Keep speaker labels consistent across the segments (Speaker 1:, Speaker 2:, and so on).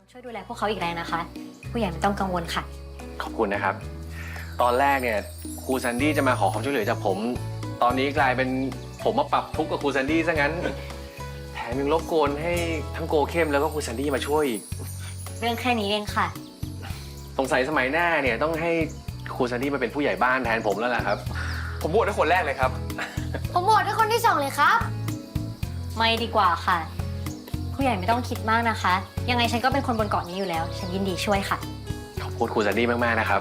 Speaker 1: ช่วยดูแลพวกเขาอีกแรงนะคะ ผู้ใหญ่ไม่ต้องกังวลค่ะ
Speaker 2: ขอบคุณนะครับ ตอนแรกเนี่ยครูแซนดี้จะมาขอความช่วยเหลือจากผม ตอนนี้กลายเป็นผมมาปรับทุกข์กับครูแซนดี้ซะงั้น แถมยังรบกวนให้ทั้งโกเข้มแล้วก็ครูแซนดี้มาช่วยอีก
Speaker 1: เรื่องแค่นี้เองค่ะ
Speaker 2: สงสัยสมัยหน้าเนี่ยต้องให้ครูแซนดี้มาเป็นผู้ใหญ่บ้านแทนผมแล้วล่ะครับ ผมบวชให้คนแรกเลยครับ
Speaker 3: ผมโหวตให้คนที่2เลยครับ
Speaker 1: ไม่ดีกว่าค่ะ ผู้ใหญ่ไม่ต้องคิดมากนะคะ ยังไงฉันก็เป็นคนบนเกาะนี้อยู่แล้ว ฉันยินดีช่วยค่ะ
Speaker 2: ขอบคุณครูแซนดี้มากๆนะครับ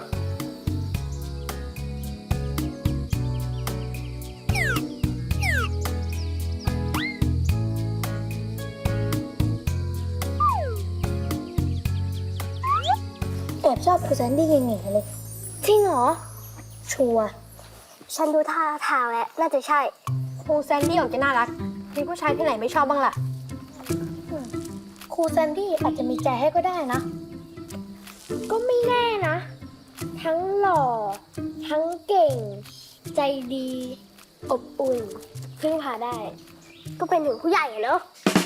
Speaker 3: แอบชอบครูแซนดี้เก่งๆเลย จริงเหรอ ชัวร์ฉันดูท่าทางแล้วน่าจะใช่ ครูแซนดี้ออกจะน่ารัก มีผู้ชายที่ไหนไม่ชอบบ้างล่ะ ครูแซนดี้อาจจะมีใจให้ก็ได้นะ ก็ไม่แน่นะ ทั้งหล่อ ทั้งเก่ง ใจดี อบอุ่น พึ่งพาได้ ก็เป็นถึงผู้ใหญ่อะเนอะ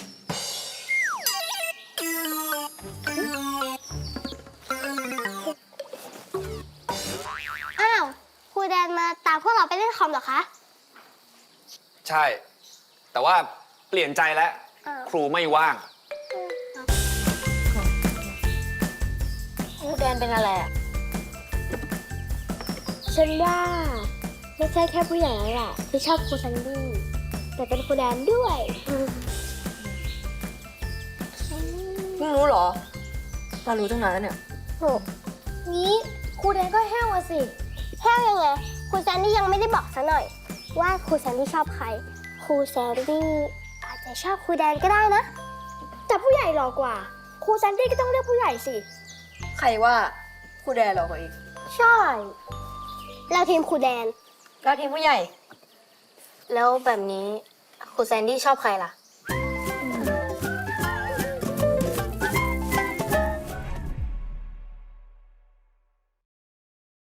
Speaker 3: อ้าว ครูแดนมาตามพวกเราไปเล่นคอมเหรอคะ
Speaker 4: ใช่ แต่ว่าเปลี่ยนใจแล้ว ครูไม่ว่าง
Speaker 3: ครูแดนเป็นอะไรอ่ะ ฉันว่าไม่ใช่แค่ผู้ใหญ่แล้วล่ะที่ชอบครูแซนดี้แต่เป็นครูแดนด้วย
Speaker 5: เพิ่งรู้เหรอเรารู้ตั้งนานแล้วเนี่ย
Speaker 3: โหงี้ครูแดนก็แห้วอะสิแห้วยังไงครูแซนดี้ยังไม่ได้บอกซะหน่อย ว่าครูแซนดี้ชอบใคร ครูแซนดี้อาจจะชอบครูแดนก็ได้นะ แต่ผู้ใหญ่หล่อกว่า ครูแซนดี้ก็ต้องเลือกผู้ใหญ่สิ
Speaker 5: ใครว่าครูแดนหรอกว่าอีก
Speaker 3: ใช่ เราทีมครูแดน
Speaker 5: เราทีมผู้ใหญ่
Speaker 6: แล้วแบบนี้ครูแซนดี้ชอบใครล่ะ